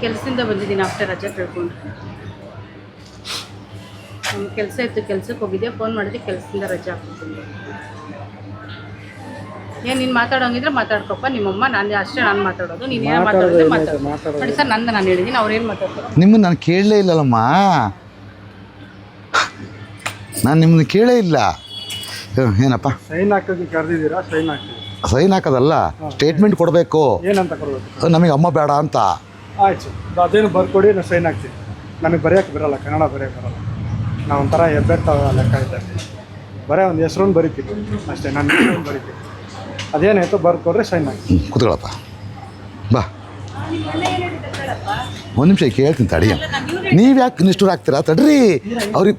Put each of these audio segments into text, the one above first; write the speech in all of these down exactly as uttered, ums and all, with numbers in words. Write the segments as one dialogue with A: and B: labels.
A: ಕೆಲಸದಿಂದ ಬಂದಿದ್ದೀನಿ ಆಫ್ಟರ್ ರಜೆ ಕೇಳ್ಕೊಂಡು. ನಮ್ಮ ಕೆಲಸ ಇತ್ತು, ಕೆಲ್ಸಕ್ಕೆ ಹೋಗಿದ್ದೆ, ಫೋನ್ ಮಾಡಿದೆ, ಕೆಲಸದಿಂದ ರಜೆ ಹಾಕ್ಬಿಟ್ಟು. ಏನು ನೀನು ಮಾತಾಡೋಂಗಿದ್ರೆ ಮಾತಾಡ್ಕೊಪ್ಪ, ನಿಮ್ಮಮ್ಮ ನಾನು ಅಷ್ಟೇ ನಾನು ಮಾತಾಡೋದು, ನೀನು ಏನು ಮಾತಾಡೋದು ಮಾತಾಡೋದು ನೋಡಿ ಸರ್. ನಂದು ನಾನು ಹೇಳಿದ್ದೀನಿ, ಅವ್ರು ಏನು ಮಾತಾಡ್ತಾರೆ
B: ನಿಮ್ಮನ್ನು ನಾನು ಕೇಳಲೇ ಇಲ್ಲಲ್ಲಮ್ಮ, ನಾನು ನಿಮ್ಮನ್ನು ಕೇಳೇ ಇಲ್ಲ. ಏನಪ್ಪ
C: ಸೈನ್ ಹಾಕೋದು ಕರೆದಿದ್ದೀರಾ? ಸೈನ್ ಹಾಕ್ತೀವಿ.
B: ಸೈನ್ ಹಾಕೋದಲ್ಲ, ಸ್ಟೇಟ್ಮೆಂಟ್ ಕೊಡಬೇಕು.
C: ಏನಂತ ಕೊಡಬೇಕು?
B: ನಮಗೆ ಅಮ್ಮ ಬೇಡ ಅಂತ.
C: ಆಯ್ತು, ಅದೇನು ಬರ್ಕೊಡಿ, ನಾವು ಸೈನ್ ಹಾಕ್ತೀವಿ. ನಮಗೆ ಬರೆಯೋಕ್ಕೆ ಬರೋಲ್ಲ, ಕನ್ನಡ ಬರೆಯೋಕ್ಕೆ ಬರೋಲ್ಲ. ನಾವು ಒಂಥರ ಹೆಬ್ಬೆಟ್ಟ ಲೆಕ್ಕ ಇದ್ದಾಗ ಬರೀ ಒಂದು ಹೆಸ್ರನ್ನು ಬರಿತೀವಿ ಅಷ್ಟೇ. ನಾನು ಹೆಸ್ರನ್ನು ಬರಿತೀವಿ, ಅದೇನಾಯ್ತು ಬರ್ಕೊಡ್ರೆ ಸೈನ್ ಹಾಕಿ.
B: ಕೂತ್ಕೊಳ್ಳಪ್ಪ, ಬಾ ಒಂದು ನಿಮಿಷ ಕೇಳ್ತೀನಿ ತಡಿ. ನೀವು ಯಾಕೆ ನಿಷ್ಠೂರ ಆಗ್ತೀರಾ? ತಡ್ರಿ ಅವ್ರಿಗೆ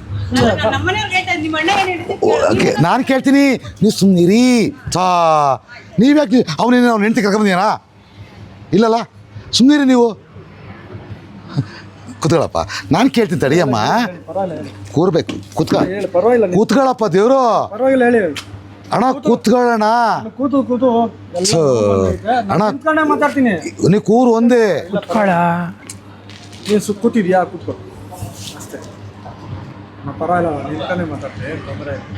B: ಓಕೆ ನಾನು ಕೇಳ್ತೀನಿ, ನೀವು ಸುಮ್ಮನಿರಿ. ಸಾ ನೀವು ಯಾಕೆ ಅವನೇನು ಅವ್ನು ಹೆಂಡ್ತಿ ಕರ್ಕೊಂಬಂದಿಯಾನ? ಇಲ್ಲಲ್ಲ, ಸುಮ್ಮನಿರಿ ನೀವು. ಕೂತ್ಕೊಳ್ಳಪ್ಪ, ನಾನು ಕೇಳ್ತೀನಿ ತಡಿಯಮ್ಮ. ಕೂರ್ಬೇಕು, ಕೂತ್ಕ
C: ಪರವಾಗಿಲ್ಲ,
B: ಕೂತ್ಕೊಳ್ಳಪ್ಪ ದೇವರು.
C: ಪರವಾಗಿಲ್ಲ ಹೇಳಿ
B: ಅಣ್ಣ, ಕೂತ್ಕೊಳ್ಳೋಣ.
C: ಕೂತು ಕೂತು
B: ಅಣ್ಣ
C: ಮಾತಾಡ್ತೀನಿ.
B: ನೀವು ಕೂರು ಒಂದೇ.
C: ನೀನು ಸು ಕೂತಿದ್ಯಾ? ಕೂತ್ಕೊ ಅಷ್ಟೇ. ನಾ ಪರವಾಗಿಲ್ಲ, ನಿಂತಾನೆ ಮಾತಾಡ್ತೀನಿ, ಏನು ತೊಂದರೆ ಇಲ್ಲ.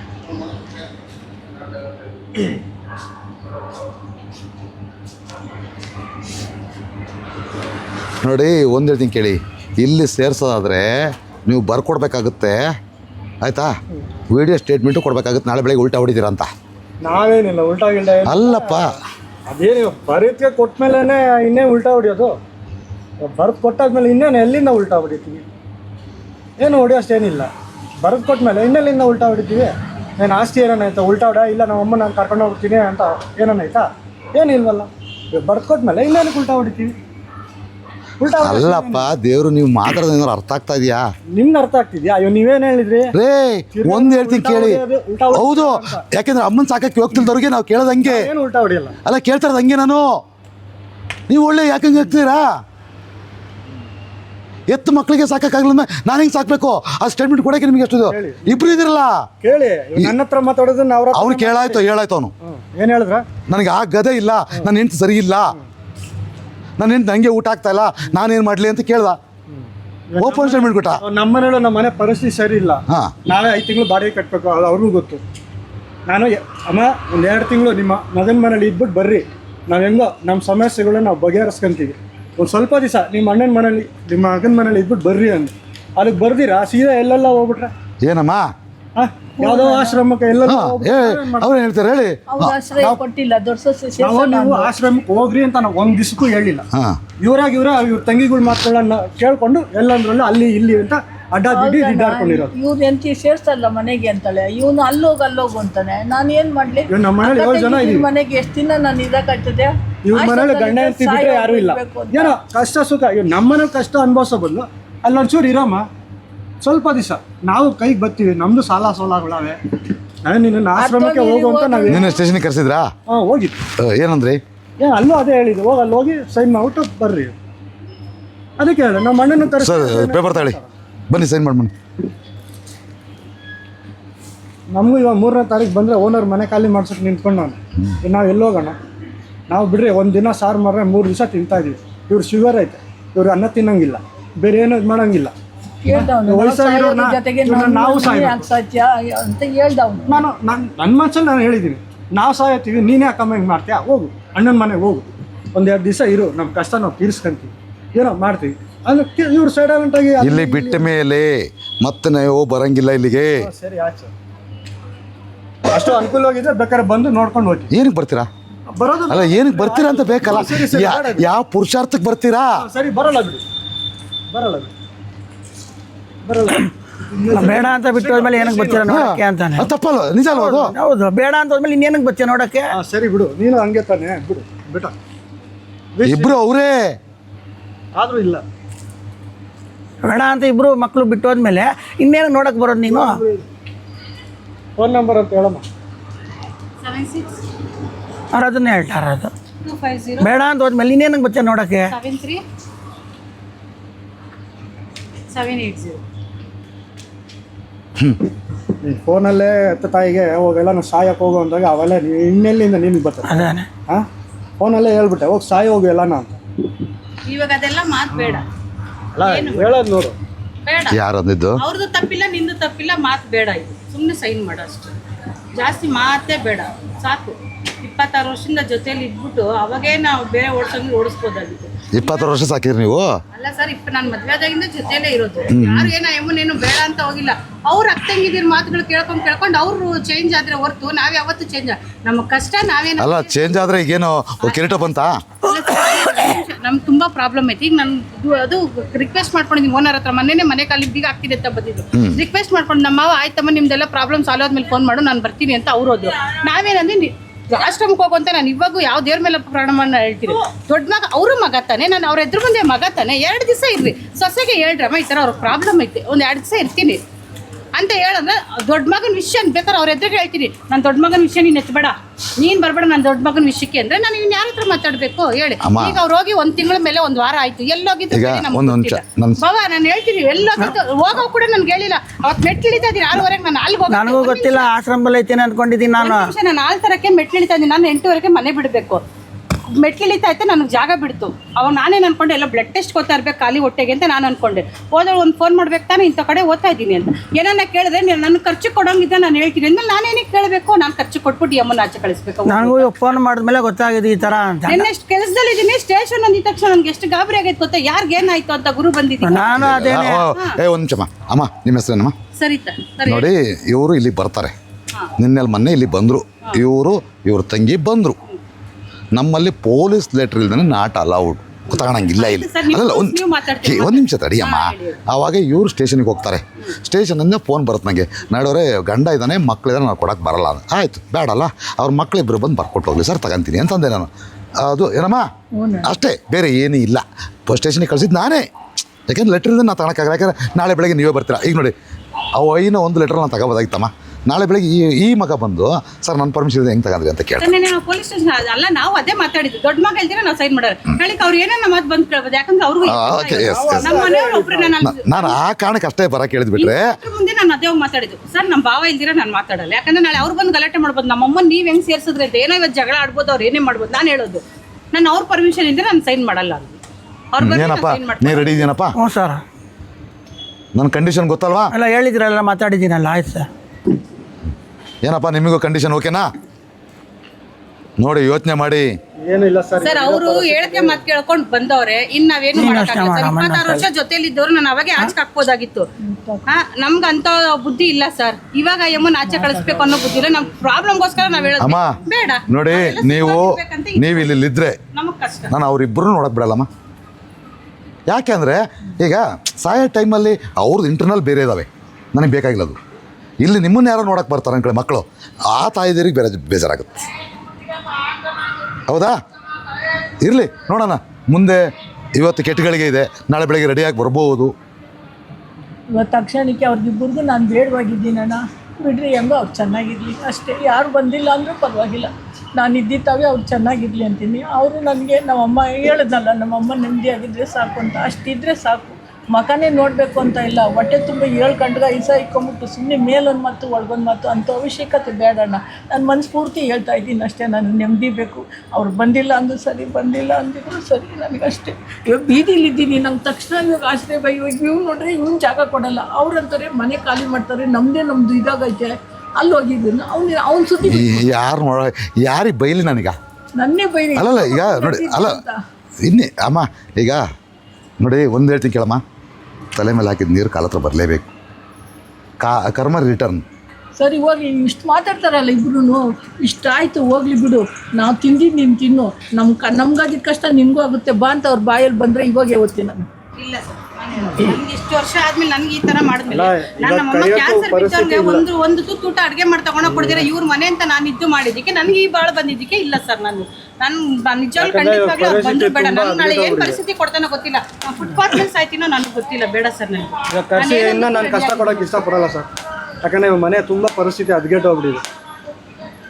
B: ನೋಡಿ, ಒಂದು ಹೇಳ್ತೀನಿ ಕೇಳಿ. ಇಲ್ಲಿ ಸೇರಿಸೋದಾದರೆ ನೀವು ಬರ್ಕೊಡ್ಬೇಕಾಗುತ್ತೆ, ಆಯಿತಾ? ವಿಡಿಯೋ ಸ್ಟೇಟ್ಮೆಂಟು ಕೊಡಬೇಕಾಗುತ್ತೆ. ನಾಳೆ ಬೆಳಗ್ಗೆ ಉಲ್ಟಾ ಹೊಡಿತೀರ ಅಂತ.
C: ನಾವೇನಿಲ್ಲ ಉಲ್ಟಾ ಗಿಲ್ಟ
B: ಅಲ್ಲಪ್ಪ,
C: ಅದೇನು ಬರೀತ್ಗೆ ಕೊಟ್ಟ ಮೇಲೆ ಇನ್ನೇ ಉಲ್ಟಾ ಹೊಡಿಯೋದು? ಬರೆದು ಕೊಟ್ಟಾದ್ಮೇಲೆ ಇನ್ನೇನು ಎಲ್ಲಿಂದ ಉಲ್ಟಾ ಹೊಡಿತೀವಿ? ಏನು ಹೊಡಿಯೋಷ್ಟೇನಿಲ್ಲ. ಬರೆದು ಕೊಟ್ಮೇಲೆ ಇನ್ನೆಲ್ಲಿಂದ ಉಲ್ಟಾ ಹೊಡಿತೀವಿ? ಏನು ಆಸ್ತಿ ಏನಾಯ್ತಾ ಉಲ್ಟಾ ಹೊಡ? ಇಲ್ಲ ನಮ್ಮ ಅಮ್ಮ ನಾನು ಕರ್ಕೊಂಡು ಹೋಗ್ತೀನಿ ಅಂತ ಏನಾಯ್ತಾ? ಏನಿಲ್ವಲ್ಲ. ಬರೆದು ಕೊಟ್ಮೇಲೆ ಇನ್ನೇನಕ್ಕೆ ಉಲ್ಟಾ ಹೊಡಿತೀವಿ? ಉಲ್ಟಾ
B: ಅಲ್ಲಪ್ಪ ದೇವರು, ನೀವು ಮಾತಾಡೋದು ಏನಾದ್ರು ಅರ್ಥ ಆಗ್ತಾ ಇದೆಯಾ?
C: ನಿಮ್ಗೆ ಅರ್ಥ ಆಗ್ತಿದ್ಯಾ? ಅಯ್ಯೋ ನೀವೇನು ಹೇಳಿದ್ರಿ?
B: ರೇ ಒಂದು ಹೇಳ್ತೀನಿ ಕೇಳಿ. ಹೌದು, ಯಾಕೆಂದ್ರೆ ಅಮ್ಮನ ಸಾಕಕ್ಕೆ ಹೋಗ್ತಿಲ್ದವ್ರಿಗೆ ನಾವು ಕೇಳೋದು ಹಂಗೆ.
C: ಏನು ಉಲ್ಟಾ ಹೊಡಿಯಲ್ಲ.
B: ಅಲ್ಲ, ಕೇಳ್ತಾ ಇರೋದು ಹಂಗೆ. ನಾನು ನೀವು ಒಳ್ಳೆ ಯಾಕೆ ಹಂಗೆ ಆಗ್ತೀರಾ? ಎತ್ತು ಮಕ್ಕಳಿಗೆ ಸಾಕಾಗಲ್ಲ, ನಾನು ಹಿಂಗೆ ಸಾಕಬೇಕು. ಆ ಸ್ಟೇಟ್ಮೆಂಟ್ ಕೊಡೋಕೆ ನಿಮಗೆ ಎಷ್ಟು ಇಬ್ರು ಇದಿರಲ್ಲ.
C: ಕೇಳಿ, ನನ್ನ ಹತ್ರ ಮಾತಾಡೋದನ್ನ ಅವ್ರ
B: ಅವ್ನು ಕೇಳಾಯ್ತು, ಹೇಳಾಯ್ತು. ಅವನು
C: ಏನು ಹೇಳಿದ್ರ?
B: ನನಗೆ ಆ ಗದೆ ಇಲ್ಲ, ನನ್ನ ಹೆಂಡ್ತಿ ಸರಿ ಇಲ್ಲ, ನನ್ನ ಹೆಂಡ್ತಿ ನನಗೆ ಊಟ ಆಗ್ತಾ ಇಲ್ಲ, ನಾನೇನು ಮಾಡಲಿ ಅಂತ ಕೇಳ್ದ. ಓಪನ್ ಸ್ಟೇಟ್ಮೆಂಟ್ ಕೊಟ್ಟ.
C: ನಮ್ಮ ಮನೇಲಿ ನಮ್ಮ ಮನೆ ಪರಿಸ್ಥಿತಿ ಸರಿ ಇಲ್ಲ,
B: ಹಾಂ,
C: ನಾವೇ ಐದು ತಿಂಗಳು ಬಾಡಿಗೆ ಕಟ್ಟಬೇಕು, ಅದು ಅವ್ರಿಗೂ ಗೊತ್ತು. ನಾನು ಅಮ್ಮ ಒಂದು ಎರಡು ತಿಂಗಳು ನಿಮ್ಮ ಮಗನ ಮನೇಲಿ ಇದ್ಬಿಟ್ಟು ಬರ್ರಿ, ನಾವು ಹೆಂಗೋ ನಮ್ಮ ಸಮಸ್ಯೆಗಳನ್ನ ನಾವು ಬಗೆಹರಿಸ್ಕೊಂತೀವಿ. ಒಂದು ಸ್ವಲ್ಪ ದಿವಸ ನಿಮ್ಮ ಅಣ್ಣನ ಮನೇಲಿ ನಿಮ್ಮ ಮಗನ ಮನೇಲಿ ಇದ್ಬಿಟ್ಟು ಬರ್ರಿ ಅಂತ. ಅದಕ್ಕೆ ಬರ್ದಿರಾ ಸೀದಾ ಎಲ್ಲೆಲ್ಲ ಹೋಗ್ಬಿಟ್ರೆ
B: ಏನಮ್ಮ
C: ಹಾಂ, ಯಾವುದೋ ಆಶ್ರಮಕ್ಕೆ ಎಲ್ಲೆಲ್ಲ
B: ಅವ್ರು ಹೇಳ್ತಾರೆ ಹೇಳಿ.
C: ನಾವು ನೀವು ಆಶ್ರಮಕ್ಕೆ ಹೋಗ್ರಿ ಅಂತ ನಾವು ಒಂದು ದಿವಸಕ್ಕೂ ಹೇಳಿಲ್ಲ. ಇವ್ರಾಗ ಇವ್ರ ಇವ್ರ ತಂಗಿಗಳ ಮಾತುಗಳನ್ನ ಕೇಳ್ಕೊಂಡು ಎಲ್ಲಂದ್ರಲ್ಲೂ ಅಲ್ಲಿ ಇಲ್ಲಿ ಅಂತ ಅಡ್ಡ ದಿಡ್ಡಿ ದಿಡ್ಡಾಡ್ಕೊಂಡಿರೋದು.
D: ಇವ್ರು ಎಂತ ಸೇರ್ಸಲ್ಲ ಮನೆಗೆ ಅಂತಾಳೆ, ಇವನು ಅಲ್ಲೋಗಿ ಅಲ್ಲೋಗು ಅಂತಾನೆ. ನಾನು ಏನ್ ಮಾಡ್ಲಿ?
C: ನಮ್ಮ ಮನೇಲಿ ಏಳು ಜನ ಇದೀವಿ.
D: ಮನೆಗೆ ಎಷ್ಟು ದಿನ ನಾನು ಇರಕ್ಕಾಗ್ತದೆ?
C: ಇವ್ರ ಮನೇಲಿ ಗಂಡ ಹೆಂಡತಿ ಬಿಟ್ರೆ ಯಾರು ಇಲ್ಲ. ಏನೋ ಕಷ್ಟ ಸುಖ, ನಮ್ಮ ಮನೇಲಿ ಕಷ್ಟ ಅನುಭವಿಸೋ ಬದಲು ಅಲ್ಲೊಂಚೂರು ಇರೋಮ್ಮ ಸ್ವಲ್ಪ ದಿವಸ. ನಾವು ಕೈಗೆ ಬರ್ತೀವಿ, ನಮ್ದು ಸಾಲ ಸೋಲಾಗಳವೆ. ನಾನು ನಿನ್ನ ಆಶ್ರಮಕ್ಕೆ ಹೋಗು ಅಂತ ನಾವು
B: ನಿನ್ನೆ ಸ್ಟೇಷನ್ಗೆ ಕರೆಸಿದ್ರಾ?
C: ಹಾಂ ಹೋಗಿತ್ತು.
B: ಏನಂದ್ರಿ?
C: ಏನು ಅಲ್ಲೂ ಅದೇ ಹೇಳಿದ್ದು, ಹೋಗಿ ಅಲ್ಲಿ ಹೋಗಿ ಸೈನ್ ಮಾಡ್ಬಿಟ್ಟು ಬರ್ರಿ. ಅದಕ್ಕೆ ಹೇಳ ನಮ್ಮ ಅಣ್ಣನ ತರ
B: ಸರ್ ಪೇಪರ್ ತಾಳಿ ಬನ್ನಿ, ಸೈನ್ ಮಾಡಿ ಬನ್ನಿ.
C: ನಮಗೂ ಇವಾಗ ಮೂರನೇ ತಾರೀಕು ಬಂದರೆ ಓನರ್ ಮನೆ ಖಾಲಿ ಮಾಡ್ಸೋಕೆ ನಿಂತ್ಕೊಂಡು ನಾನು ನಾವು ಎಲ್ಲಿ ಹೋಗೋಣ? ನಾವು ಬಿಡ್ರಿ ಒಂದು ದಿನ ಸಾರು ಮಾರ್ರೆ ಮೂರು ದಿವಸ ತಿಂತಾ ಇದೀವಿ. ಇವ್ರು ಶುಗರ್ ಐತೆ, ಇವ್ರು ಅನ್ನ ತಿನ್ನಂಗಿಲ್ಲ, ಬೇರೆ ಏನೂ ಮಾಡೋಂಗಿಲ್ಲ. ವಯಸ್ಸಾಗಿರೋರ್ನ ನಾವು
D: ಅಂತ ಹೇಳ್ದವ್ನು.
C: ನಾನು ನನ್ನ ನನ್ನ ಮನಸ್ಸಲ್ಲಿ ನಾನು ಹೇಳಿದ್ದೀನಿ, ನಾವು ಸಾಯತ್ತೀವಿ, ನೀನೇ ಅಕ್ಕಮ್ಮ ಹಿಂಗೆ ಮಾಡ್ತೀಯಾ? ಹೋಗು ಅಣ್ಣನ ಮನೆಗೆ ಹೋಗು, ಒಂದೆರಡು ದಿವಸ ಇರು, ನಮ್ಮ ಕಷ್ಟ ನಾವು ತೀರಿಸ್ಕೊಂತೀವಿ, ಏನೋ ಮಾಡ್ತೀವಿ. ಅಂದ್ರೆ ಇವ್ರು ಸೈಲೆಂಟ್ ಆಗಿ
B: ಇಲ್ಲಿ ಬಿಟ್ಟ ಮೇಲೆ ಮತ್ತೆ ನೀವು ಬರಂಗಿಲ್ಲ ಇಲ್ಲಿಗೆ.
C: ಸರಿ ಆಯ್ತು, ಅಷ್ಟು ಅನುಕೂಲವಾಗಿದ್ರೆ ಬೇಕಾದ್ರೆ ಬಂದು ನೋಡ್ಕೊಂಡು ಹೋಗಿ.
B: ಏನಕ್ಕೆ ಬರ್ತೀರಾ?
C: ಬರೋದು
B: ಅಲ್ಲ, ಏನಕ್ಕೆ ಬರ್ತೀರಾ ಅಂತ ಬೇಕಲ್ಲ. ಯಾವ ಪುರುಷಾರ್ಥಕ್ಕೆ ಬರ್ತೀರಾ?
C: ಸರಿ ಬರಲ್ಲ ಬಿಡಿ, ಬರಲ್ಲ ಬಿಡಿ, ಬರಲ್ಲ.
E: ಬೇಡ ಅಂತ ಬಿಟ್ಟು ಹೋದ್ಮೇಲೆ ಏನಕ್ಕೆ ಬರ್ತೀರಾ ನೋಡಕ್ಕೆ ಅಂತಾನೆ.
B: ತಪ್ಪಲ್ಲ, ನಿಜ ಅಲ್ವಾ ಅದು?
E: ಹೌದು, ಬೇಡ ಅಂತ ಹೋದ್ಮೇಲೆ ಇನ್ನೇನಕ್ಕೆ ಬರ್ತೀಯ ನೋಡಕ್ಕೆ?
C: ಸರಿ ಬಿಡು, ನೀನು ಹಂಗೆ ತಾನೆ, ಬಿಡು ಬಿಟ.
B: ಇಬ್ರು ಅವರೇ
C: ಆದ್ರೂ ಇಲ್ಲ,
E: ಬೇಡ ಅಂತ ಇಬ್ರು ಮಕ್ಕಳು ಬಿಟ್ಟು ಹೋದ್ಮೇಲೆ ಇನ್ನೇನು ನೋಡಕ್ ಬರೋದು ನೀನು?
C: ಫೋನ್ ನಂಬರ್ ಅಂತ ಹೇಳಮ್ಮ.
E: ಅವ್ರು ಅದನ್ನೇ ಹೇಳ್ತಾರ. ಅದು ಬೇಡ ಅಂತ ಹೋದ್ಮೇಲೆ ಇನ್ನೇನಕ್ಕೆ ಬರ್ತೀಯ ನೋಡಕ್ಕೆ?
C: ನೀನು ಫೋನಲ್ಲೇ ಎತ್ತ ತಾಯಿಗೆ ಹೋಗೆಲ್ಲ ನಾವು ಸಾಯಕ್ಕೆ ಹೋಗೋ ಅಂದಾಗ ಅವೆಲ್ಲ ಇನ್ನೆಲ್ಲಿಂದ ನಿನಗೆ ಬರ್ತದೆ?
E: ಅದಾನೆ.
C: ಹಾಂ, ಫೋನಲ್ಲೇ ಹೇಳ್ಬಿಟ್ಟೆ ಹೋಗಿ ಸಾಯಿ ಹೋಗಿ ಎಲ್ಲನ ಅಂತ.
A: ಇವಾಗ ಅದೆಲ್ಲ ಮಾತು ಬೇಡ,
C: ಅಲ್ಲ ಹೇಳೋದು ನೋಡು.
A: ಬೇಡ.
B: ಯಾರು ಅಂದಿದ್ದು?
A: ಅವ್ರದ್ದು ತಪ್ಪಿಲ್ಲ, ನಿಂದು ತಪ್ಪಿಲ್ಲ, ಮಾತು ಬೇಡ. ಇದು ಸುಮ್ಮನೆ ಸೈನ್ ಮಾಡು ಅಷ್ಟೇ, ಜಾಸ್ತಿ ಮಾತೇ ಬೇಡ, ಸಾಕು. ಇಪ್ಪತ್ತಾರು ವರ್ಷದಿಂದ ಜೊತೆಲಿ ಇದ್ಬಿಟ್ಟು ಅವಾಗೇ ನಾವು ಬೇರೆ ಓಡಿಸಂದ್ರೆ ಓಡಿಸ್ಬೋದಾಗಿತ್ತು.
B: ಇಪ್ಪತ್ತಾರು ವರ್ಷ ಸಾಕಿರಿ ನೀವು?
A: ಅಲ್ಲ ಸರ್, ಇಪ್ಪ ನಾನು ಮದುವೆ ಆದಾಗಿಂದ ಜೊತೆಲೇ ಇರೋದು. ಯಾರು ಏನೋ ಎಮ್ಮನೇನು ಬೇಡ ಅಂತ ಹೋಗಿಲ್ಲ. ಅವ್ರು ಅಕ್ಕಂಗಿದಿರ ಮಾತುಗಳು ಕೇಳ್ಕೊಂಡು ಕೇಳ್ಕೊಂಡು ಅವರು ಚೇಂಜ್ ಆದ್ರೆ ಹೊರತು ನಾವ್ ಯಾವತ್ತು ಚೇಂಜ್ ನಮ್ಮ ಕಷ್ಟ ನಾವೇನು.
B: ಅಲ್ಲ ಚೇಂಜ್ ಆದ್ರೆ ಈಗೇನು ಕಿರೀಟ ಬಂತಾ?
A: ನಮ್ಗೆ ತುಂಬಾ ಪ್ರಾಬ್ಲಮ್ ಐತಿ. ಈಗ ನಾನು ಅದು ರಿಕ್ವೆಸ್ಟ್ ಮಾಡ್ಕೊಂಡಿದ್ದೀನಿ ಓನರ್ ಹತ್ರ. ಮೊನ್ನೆನೇ ಮನೆ ಕಾಲಿ ಬೀಗ ಆಗ್ತಿದೆ ಅಂತ ಬಂದಿದ್ದು. ರಿಕ್ವೆಸ್ಟ್ ಮಾಡ್ಕೊಂಡು ನಮ್ಮ ಮಾವ ಆಯ್ತಮ್ಮ ನಿಮ್ದೆಲ್ಲ ಪ್ರಾಬ್ಲಮ್ ಸಾಲ್ವ್ ಆದ್ಮೇಲೆ ಫೋನ್ ಮಾಡು, ನಾನು ಬರ್ತೀನಿ ಅಂತ ಅವ್ರು ಹೋದ್ರು. ನಾವೇನಂದ್ರೆ ಆಶ್ರಮಕ್ಕೆ ಹೋಗುವಂತ ನಾನು ಇವಾಗೂ ಯಾವ ದೇವ್ರ ಮೇಲೆ ಪ್ರಾಣವನ್ನ ಹೇಳ್ತೀನಿ. ದೊಡ್ಡ ಮಗ ಅವರು ಮಗ ತಾನೆ, ನಾನು ಅವ್ರ ಎದುರು ಮುಂದೆ ಮಗ ತಾನೆ. ಎರಡು ದಿವಸ ಇರ್ರಿ, ಸೊಸೆಗೆ ಹೇಳ್ರಮ್ಮ ಈ ಥರ ಅವ್ರ ಪ್ರಾಬ್ಲಮ್ ಐತೆ, ಒಂದು ಎರಡು ದಿವಸ ಇರ್ತೀನಿ ಅಂತ ಹೇಳಂದ್ರೆ ದೊಡ್ಡ ಮಗನ ವಿಷಯ ಬೇಕಾದ್ರೆ ಅವ್ರ ಎದುರಿಗೆ ಹೇಳ್ತೀನಿ. ನಾನು ದೊಡ್ಡ ಮಗನ ವಿಷಯ ನೀನು ಎತ್ತಬೇಡ, ನೀನು ಬರಬೇಡ ನನ್ನ ದೊಡ್ಡ ಮಗನ ವಿಷಯಕ್ಕೆ ಅಂದರೆ ನಾನು ಇನ್ನು ಯಾರ ಹತ್ರ ಮಾತಾಡಬೇಕು ಹೇಳಿ. ಈಗ ಅವ್ರು ಹೋಗಿ ಒಂದು ತಿಂಗಳ ಮೇಲೆ ಒಂದು ವಾರ ಆಯ್ತು. ಎಲ್ಲೋಗಿದ್ದು ಬಾಬಾ ನಾನು ಹೇಳ್ತೀನಿ, ಎಲ್ಲೋಗಿದ್ದು ಹೋಗೋ ಕೂಡ ನನ್ಗೆ ಹೇಳಿಲ್ಲ. ಅವತ್ತು ಮೆಟ್ಲಿಳಿತಾ ಇದ್ದೀನಿ ಆರೂವರೆಗೆ, ನಾನು ಅಲ್ಲಿ ಹೋಗಿ
E: ನನಗೂ ಗೊತ್ತಿಲ್ಲ ಆಶ್ರಮದಲ್ಲಿ ಐತೇನೆ ಅನ್ಕೊಂಡಿದ್ದೀನಿ ನಾನು.
A: ನಾನು ಆರು ತರಕ್ಕೆ ಮೆಟ್ಲಿಳಿತಾ ಇದ್ದೀನಿ. ನಾನು ಎಂಟೂವರೆಗೆ ಮನೆ ಬಿಡಬೇಕು. ಮೆಟ್ಲಿಳಿತಾ ಇತ್ತು, ನನಗೆ ಜಾಗ ಬಿಡ್ತು. ಅವಾಗ ನಾನೇನು ಅನ್ಕೊಂಡೆ ಎಲ್ಲ ಬ್ಲಡ್ ಟೆಸ್ಟ್ ಕೊಡ್ತಾ ಇರ್ಬೇಕು ಖಾಲಿ ಹೊಟ್ಟೆಗೆ ಅಂತ ನಾನು ಅನ್ಕೊಂಡೆ. ಹೋದ್ರೆ ಒಂದು ಫೋನ್ ಮಾಡ್ಬೇಕು ತಾನೆ, ಇಂಥ ಕಡೆ ಓದ್ತಾ ಇದ್ದೀನಿ ಅಂತ. ಏನನ್ನ ಕೇಳಿದ್ರೆ ನನ್ನ ಖರ್ಚು ಕೊಡೋಂಗಿದ್ದ ನಾನು ಹೇಳ್ತೀನಿ ಅಂದ್ರೆ ನಾನೇನಕ್ಕೆ ಕೇಳಬೇಕು? ನಾನು ಖರ್ಚು ಕೊಟ್ಬಿಟ್ಟು ಯಮ್ಮನ ಆಚೆ ಕಳಿಸ್ಬೇಕು.
E: ನನಗೂ ಫೋನ್ ಮಾಡಿದ್ಮೇಲೆ ಗೊತ್ತಾಗಿದೆ ಈ ಥರ ಅಂತ.
A: ನೆನ್ನೆಷ್ಟು ಕೆಲಸದಲ್ಲಿ ಇದ್ದೀನಿ, ಸ್ಟೇಷನ್ ಅಂದಿದ ತಕ್ಷಣ ನನಗೆ ಎಷ್ಟು ಗಾಬರಿ ಆಗೈತೆ ಗೊತ್ತಾ? ಯಾರಿಗೆ ಏನಾಯ್ತು ಅಂತ ಗುರು ಬಂದಿದ್ದೀನಿ
E: ನಾನು. ಅದೇ
B: ಏ ಒಂದು ನಿಮಿಷಮ್ಮ ಅಮ್ಮ, ನಿಮ್ಮ ಹೆಸರೇನಮ್ಮ?
A: ಸರಿತಾ ಸರಿ
B: ನೋಡಿ, ಇವರು ಇಲ್ಲಿ ಬರ್ತಾರೆ. ನಿನ್ನೆಲ್ಲಿ ಮೊನ್ನೆ ಇಲ್ಲಿ ಬಂದರು ಇವರು, ಇವ್ರ ತಂಗಿ ಬಂದರು. ನಮ್ಮಲ್ಲಿ ಪೊಲೀಸ್ ಲೆಟ್ರ್ ಇಲ್ದೇ ನಾಟ್ ಅಲೌಡ್ ತಗೊಳಂಗಿಲ್ಲ ಇಲ್ಲಿ. ಅಲ್ಲ ಒಂದು ಒಂದು ನಿಮಿಷ ತಡಿ ಅಮ್ಮ. ಆವಾಗ ಇವರು ಸ್ಟೇಷನಿಗೆ ಹೋಗ್ತಾರೆ. ಸ್ಟೇಷನಿಂದ ಫೋನ್ ಬರುತ್ತೆ ನನಗೆ, ನಡೋರೆ ಗಂಡ ಇದ್ದಾನೆ ಮಕ್ಕಳಿದಾನೆ, ನಾನು ಕೊಡೋಕ್ಕೆ ಬರಲ್ಲ ಅಂತ. ಆಯಿತು ಬೇಡಲ್ಲ, ಅವ್ರ ಮಕ್ಕಳಿಬ್ಬರು ಬಂದು ಬರ್ಕೊಟ್ಟು ಹೋಗಲಿ ಸರ್, ತಗೊಂತೀನಿ ಅಂತಂದೆ ನಾನು. ಅದು ಏನಮ್ಮ ಅಷ್ಟೇ, ಬೇರೆ ಏನೂ ಇಲ್ಲ. ಸ್ಟೇಷನಿಗೆ ಕಳಿಸಿದ್ದು ನಾನೇ, ಯಾಕೆಂದ್ರೆ ಲೆಟ್ರ್ ಇಲ್ಲದೆ ನಾನು ತಗೊಳಕ್ಕಾಗಲ್ಲ. ಯಾಕಂದ್ರೆ ನಾಳೆ ಬೆಳಗ್ಗೆ ನೀವೇ ಬರ್ತೀರಾ. ಈಗ ನೋಡಿ ಅವು ಐನ ಒಂದು ಲೆಟ್ರ್ ನಾನು ತಗೋಬೋದಾಗಿತ್ತಮ್ಮ. ನಾಳೆ ಬೆಳಗ್ಗೆ ಈ ಈ ಮಗ ಬಂದು ಸರ್ ನನ್ನ ಪರ್ಮಿಷನ್ ಇದೆ ಹೆಂಗೆ ತಗೊಂಡ್ರಿ ಅಂತ ಕೇಳ್ತಾರೆ.
A: ನಾವು ಪೊಲೀಸ್ ಸ್ಟೇಷನ್ ಅಲ್ಲ, ನಾವು ಅದೇ ಮಾತಾಡಿದ್ದು. ದೊಡ್ಡ ಮಗ ಹೇಳ್ತೀರಾ ನಾವು ಸೈನ್ ಮಾಡೋರು ಹೇಳಿಕ್ ಅವ್ರು ಏನೇನು ಮಾತು ಬಂದು ಕೇಳ್ಬೋದು. ಯಾಕಂದ್ರೆ ಅವ್ರಿಗೂ ನಮ್ಮ ಮನೆಯವ್ರು ಒಬ್ರು
B: ನಾನು ಆ ಕಾರಣಕ್ಕೆ ಅಷ್ಟೇ ಬರ ಕೇಳಿದ್ಬಿಟ್ರೆ
A: ಮುಂದೆ ನಾನು ಅದೇ ಮಾತಾಡಿದ್ದು. ಸರ್ ನಮ್ಮ ಭಾವ ಇಲ್ದಿರ ನಾನು ಮಾತಾಡಲ್ಲ. ಯಾಕಂದ್ರೆ ನಾಳೆ ಅವ್ರು ಬಂದು ಗಲಾಟೆ ಮಾಡ್ಬೋದು. ನಮ್ಮಮ್ಮ ನೀವು ಹೆಂಗೆ ಸೇರಿಸಿದ್ರೆ ಅಂತ ಏನೋ ಇವತ್ತು ಜಗಳ ಆಡ್ಬೋದು, ಅವ್ರು ಏನೇ ಮಾಡ್ಬೋದು. ನಾನು ಹೇಳೋದು ನಾನು ಅವ್ರ ಪರ್ಮಿಷನ್ ಇದ್ರೆ ನಾನು ಸೈನ್ ಮಾಡಲ್ಲ. ಅವ್ರು
B: ಏನಪ್ಪ ನೀ ರೆಡಿ ಇದೀನಪ್ಪ?
E: ಹ್ಞೂ ಸರ್.
B: ನನ್ನ ಕಂಡೀಷನ್ ಗೊತ್ತಲ್ವಾ?
E: ಎಲ್ಲ ಹೇಳಿದ್ರಲ್ಲ, ಮಾತಾಡಿದ್ದೀನಲ್ಲ. ಆಯ್ತು ಸರ್.
B: ಏನಪ್ಪ ನಿಮಗೂ ಕಂಡೀಷನ್ ಓಕೆನಾ? ನೋಡಿ ಯೋಚನೆ ಮಾಡಿ.
C: ಏನು ಇಲ್ಲ ಸರ್,
A: ಸರ್ ಅವರು ಹೇಳಿಕೆ ಮಾತು ಕೇಳ್ಕೊಂಡು ಬಂದವ್ರೆ. ಇನ್ನು ನಾವೇನು ಮಾಡೋಕ್ಕಾಗಲ್ಲ ಸರ್. ಇಪ್ಪತ್ತಾರು ವರ್ಷ ಜೊತೆಲಿ ಇದ್ದವ್ರು ನಾನು ಅವಾಗೆ ಆಚೆ ಹಾಕ್ಬೋದಾಗಿತ್ತು. ಹಾ, ನಮ್ಗೆ ಅಂತ ಬುದ್ಧಿ ಇಲ್ಲ ಸರ್. ಇವಾಗ ಯಮ್ಮನ ಆಚೆ ಕಳಿಸ್ಬೇಕು ಅನ್ನೋ ಬುದ್ಧಿ ಇಲ್ಲ. ನಮ್ ಪ್ರಾಬ್ಲಮ್ಗೋಸ್ಕರ ನಾವ್ ಹೇಳೋದು
B: ಅಮ್ಮ
A: ಬೇಡ.
B: ನೋಡಿ ನೀವು ನೀವು ಇಲ್ಲಿ ಇದ್ರೆ
A: ನಮಗ್ ಕಷ್ಟ.
B: ನಾನು ಅವ್ರಿಬ್ರು ನೋಡಕ್ ಬಿಡಲ್ಲಮ್ಮ. ಯಾಕೆಂದ್ರೆ ಈಗ ಸಾಯೋ ಟೈಮಲ್ಲಿ ಅವ್ರದ್ದು ಇಂಟರ್ನಲ್ ಬೇರೆ ಇದಾವೆ, ನನಗೆ ಬೇಕಾಗಿಲ್ಲ ಅದು. ಇಲ್ಲಿ ನಿಮ್ಮನ್ನ ಯಾರೋ ನೋಡಕ್ಕೆ ಬರ್ತಾರೆ ಅಂದ್ಕೊಳ್ಳಿ ಮಕ್ಕಳು, ಆ ತಾಯಿದೇರಿಗೆ ಬೇರೆ ಬೇಜಾರಾಗುತ್ತೆ. ಹೌದಾ? ಇರಲಿ ನೋಡೋಣ ಮುಂದೆ. ಇವತ್ತು ಕೆಟ್ಟಗಳಿಗೆ ಇದೆ, ನಾಳೆ ಬೆಳಗ್ಗೆ ರೆಡಿಯಾಗಿ ಬರ್ಬೋದು.
D: ಇವತ್ತು ತಕ್ಷಣಕ್ಕೆ ಅವ್ರಿಗಿಬ್ಬರಿಗೂ ನಾನು ಬೇಡವಾಗಿದ್ದೀನಣ್ಣ. ಬಿಡ್ರಿ, ಹೆಂಗೋ ಅವ್ರು ಚೆನ್ನಾಗಿರಲಿ ಅಷ್ಟೇ. ಯಾರು ಬಂದಿಲ್ಲ ಅಂದರೂ ಪರವಾಗಿಲ್ಲ, ನಾನು ಇದ್ದಿದ್ದಾವೆ ಅವ್ರು ಚೆನ್ನಾಗಿರಲಿ ಅಂತೀನಿ. ಅವರು ನನಗೆ ನಮ್ಮಮ್ಮ ಹೇಳಿದ್ನಲ್ಲ, ನಮ್ಮಮ್ಮ ನೆಮ್ಮದಿಯಾಗಿದ್ದರೆ ಸಾಕು ಅಂತ. ಅಷ್ಟಿದ್ರೆ ಸಾಕು, ಮಕನೇ ನೋಡಬೇಕು ಅಂತ ಇಲ್ಲ. ಹೊಟ್ಟೆ ತುಂಬ ಏಳು ಗಂಟೆಗೆ ಐಸ ಇಕ್ಕೊಂಬಿಟ್ಟು ಸುಮ್ಮನೆ ಮೇಲೊಂದು ಮಾತು ಒಳಗೊಂದು ಮಾತು ಅಂಥ ಅವಶ್ಯಕತೆ ಬೇಡಣ್ಣ. ನಾನು ಮನಸ್ಫೂರ್ತಿ ಹೇಳ್ತಾ ಇದ್ದೀನಿ ಅಷ್ಟೇ. ನನಗೆ ನೆಮ್ಮದಿ ಬೇಕು. ಅವ್ರು ಬಂದಿಲ್ಲ ಅಂದರೂ ಸರಿ, ಬಂದಿಲ್ಲ ಅಂದಿದ್ರು ಸರಿ, ನನಗಷ್ಟೇ. ಇವಾಗ ಬೀದಿಲಿದ್ದೀನಿ, ನಂಗೆ ತಕ್ಷಣ ಇವಾಗ ಆಶ್ರಯ ಬೈ ಇವಾಗ ಇವ್ನು ನೋಡ್ರೆ ಇವ್ನು ಜಾಗ ಕೊಡಲ್ಲ. ಅವ್ರಂತಾರೆ ಮನೆ ಖಾಲಿ ಮಾಡ್ತಾರೆ, ನಮ್ಮದೇ ನಮ್ಮದು ಇದಾಗೈತೆ, ಅಲ್ಲಿ ಹೋಗಿದ್ದೀನಿ. ಅವ್ನು ಅವ್ನು ಸುದ್ದಿ
B: ಯಾರು ನೋಡ ಯಾರಿಗೆ ಬೈಲಿ ನನಗ
D: ನನ್ನೇ ಬೈಲಿ.
B: ಅಲ್ಲಲ್ಲ ಈಗ ನೋಡಿ, ಅಲ್ಲ ಇನ್ನೇ ಅಮ್ಮ ಈಗ ನೋಡಿ ಒಂದು ಹೇಳ್ತೀನಿ ಕೇಳಮ್ಮ. ತಲೆ ಮೇಲೆ ಹಾಕಿದ ನೀರು ಕಾಲ ಹತ್ರ ಬರಲೇಬೇಕು. ಕಾ ಕರ್ಮ ರಿಟರ್ನ್.
D: ಸರಿ ಹೋಗ್ಲಿ, ಇಷ್ಟು ಮಾತಾಡ್ತಾರಲ್ಲ ಇಬ್ರು, ಇಷ್ಟ ಆಯಿತು ಹೋಗ್ಲಿ ಬಿಡು. ನಾವು ತಿಂದಿದ್ದು ನೀನು ತಿನ್ನು, ನಮ್ಮ ಕ ನಮ್ಗಾಗಿದ್ದ ಕಷ್ಟ ನಿಮಗೂ ಆಗುತ್ತೆ ಬಾ ಅಂತ ಅವ್ರ ಬಾಯಲ್ಲಿ ಬಂದರೆ ಇವಾಗೇ ಓದ್ತೀನಿ ನಾನು.
A: ಇಲ್ಲ ಸರ್, ನನ್ಗೆ ಇಷ್ಟು ವರ್ಷ ಆದ್ಮೇಲೆ ನನ್ಗೆ ಈ ತರ ಮಾಡಿದ್ಮೇಲೆ ನಾನು ನಮ್ಮಮ್ಮ ಕ್ಯಾನ್ಸರ್ ಬಿದ್ದವ್ರಿಗೆ ಒಂದು ಒಂದು ತುತ್ತು ಊಟ ಅಡುಗೆ ಮಾಡಿ ತಗೊಂಡೋಗಿ ಕೊಡ್ದಿರ ಇವ್ರ ಮನೆ ಅಂತ ನಾನು ಇದ್ದು ಮಾಡಿದ್ದಕ್ಕೆ ನನಗೆ ಈ ಬಾಳ ಬಂದಿದ್ದಕ್ಕೆ ಇಲ್ಲ ಸರ್. ನಾನು ನಾನು ನಿಜವಾಗ್ಲೂ ಖಂಡಿತವಾಗ್ಲೂ ಅವ್ರು ಬಂದ್ರು ಬೇಡ. ನಾನು ನಾಳೆ ಏನು ಪರಿಸ್ಥಿತಿ ಕೊಡ್ತಾನೋ ಗೊತ್ತಿಲ್ಲ, ನಾನು ಫುಟ್ಪಾತ್ ಮೇಲೆ ಸಾಯ್ತೀನೋ ನನಗೆ ಗೊತ್ತಿಲ್ಲ. ಬೇಡ ಸರ್ ನನಗೆ.
C: ಕರ್ಸಿ ಇನ್ನು ನಾನು ಕಷ್ಟ ಕೊಡೋಕೆ ಇಷ್ಟಪಡಲ್ಲ ಸರ್. ಯಾಕಂದರೆ ಮನೆ ತುಂಬ ಪರಿಸ್ಥಿತಿ ಹದಗೆಟ್ಟು ಹೋಗ್ಬಿಟ್ಟಿದೆ.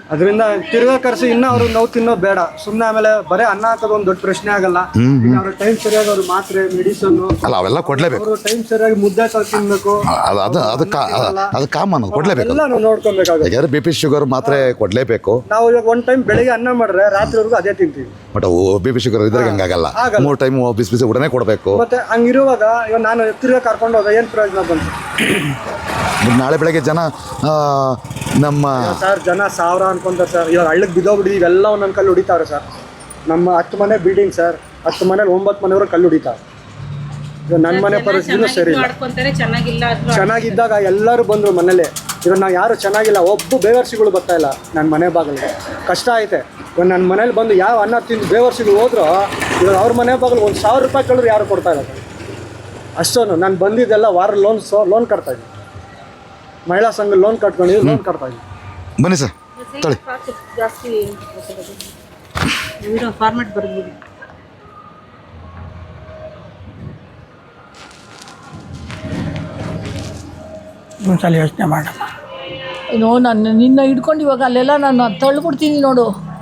C: ಅದರಿಂದ ತಿರ್ಗಾ ಕರೆಸಿ ಇನ್ನೂ ಅವ್ರು ನೋವು ತಿನ್ನೋದು ಬೇಡ. ಸುಮ್ಮನೆ ಆಮೇಲೆ ಬರೀ ಅನ್ನ ಹಾಕೋದು ಒಂದು ದೊಡ್ಡ ಪ್ರಶ್ನೆ ಆಗಲ್ಲ. ಈಗ ಅವ್ರ ಟೈಮ್ ಸರಿಯಾಗಿ ಅವ್ರ ಮಾತ್ರೆ ಮೆಡಿಸನ್ನು
B: ಅಲ್ಲ ಅವೆಲ್ಲ ಕೊಡಲೇಬೇಕು.
C: ಅವರು ಟೈಮ್ ಸರಿಯಾಗಿ ಮುದ್ದೆ ಕಲ್ ತಿನ್ಬೇಕು.
B: ಅದು ಅದು ಅದು ಕಾ ಅದು ಕಾಮನ್, ಕೊಡಲೇಬೇಕು.
C: ಎಲ್ಲ ನಾವು ನೋಡ್ಕೊಬೇಕಾಗುತ್ತೆ.
B: ಯಾಕಂದರೆ ಬಿ ಪಿ ಶುಗರ್ ಮಾತ್ರೆ ಕೊಡಲೇಬೇಕು.
C: ನಾವು ಇವಾಗ ಒಂದು ಟೈಮ್ ಬೆಳಿಗ್ಗೆ ಅನ್ನ ಮಾಡಿದ್ರೆ ರಾತ್ರಿವರೆಗೂ ಅದೇ ತಿಂತೀವಿ.
B: ಬಟ್ ಬಿ ಪಿ ಶುಗರ್ ಇದ್ರಾಗ ಹಂಗಾಗಲ್ಲ. ಮೂರು ಟೈಮ್ ಬಿಸಿ ಬಿಸಿ ಊಟನೇ ಕೊಡಬೇಕು.
C: ಮತ್ತೆ ಹಂಗಿರುವಾಗ ಇವಾಗ ನಾನು ತಿರ್ಗಾ ಕರ್ಕೊಂಡು ಹೋದ ಏನು ಪ್ರಯೋಜನ ಬಂತು?
B: ನಾಳೆ ಬೆಳಗ್ಗೆ ಜನ ನಮ್ಮ
C: ಸರ್ ಜನ ಸಾವಿರ ಅನ್ಕೊಂತಾರೆ ಸರ್. ಇವಾಗ ಹಳ್ಳಕ್ಕೆ ಬಿದ್ದೋಗ್ಬಿಟ್ಟು ಇವೆಲ್ಲ ಒಂದೊಂದು ಕಲ್ಲು ಹೊಡಿತಾವ್ರೆ ಸರ್. ನಮ್ಮ ಹತ್ತು ಮನೆ ಬಿಲ್ಡಿಂಗ್ ಸರ್, ಹತ್ತು ಮನೇಲಿ ಒಂಬತ್ತು ಮನೆಯವರು ಕಲ್ಲು ಹೊಡಿತಾರೆ. ಇವಾಗ ನನ್ನ ಮನೆ ಪರಿಸ್ಥಿತಿನೂ ಸರಿ ಇಲ್ಲ.
A: ಚೆನ್ನಾಗಿಲ್ಲ
C: ಚೆನ್ನಾಗಿದ್ದಾಗ ಎಲ್ಲರೂ ಬಂದರು ಮನೇಲಿ. ಇವಾಗ ನಾವು ಯಾರು ಚೆನ್ನಾಗಿಲ್ಲ, ಒಬ್ಬ ಬೇವರ್ಸಿಗಳು ಬರ್ತಾ ಇಲ್ಲ ನನ್ನ ಮನೆ ಬಾಗಿಲಿಗೆ. ಕಷ್ಟ ಐತೆ. ಇವಾಗ ನನ್ನ ಮನೇಲಿ ಬಂದು ಯಾವ ಅನ್ನ ತಿಂದು ಬೇವರ್ಸಿಗಳು ಹೋದ್ರು, ಇವಾಗ ಅವ್ರ ಮನೆ ಬಾಗಿಲು ಒಂದು ಸಾವಿರ ರೂಪಾಯಿ ಕೇಳಿದ್ರು ಯಾರು ಕೊಡ್ತಾ ಇಲ್ಲ. ಅಷ್ಟೊಂದು ನಾನು ಬಂದಿದ್ದೆಲ್ಲ ವಾರ ಲೋನ್ ಸೋ ಲೋನ್ ಕಟ್ತಾಯಿದ್ದೆ. ಮಹಿಳಾ ಸಂಘ ಲೋನ್ ಕಟ್ಕೊಂಡಿದ್ದು ಲೋನ್ ಕಟ್ತಾಯಿದ್ದೆ.
B: ಬನ್ನಿ ಸರ್ ತಳಿ
A: ಜಾಸ್ತಿ ಫಾರ್ಮೆಟ್ ಬರ್ಬೋದು.
E: ಒಂದ್ಸಲ ಯೋಚನೆ ಮಾಡಮ್ಮ.
D: ಏನೋ ನಾನು ನಿನ್ನ ಹಿಡ್ಕೊಂಡು ಇವಾಗ ಅಲ್ಲೆಲ್ಲ ನಾನು ತಳ್ಳಿಬಿಡ್ತೀನಿ ನೋಡು.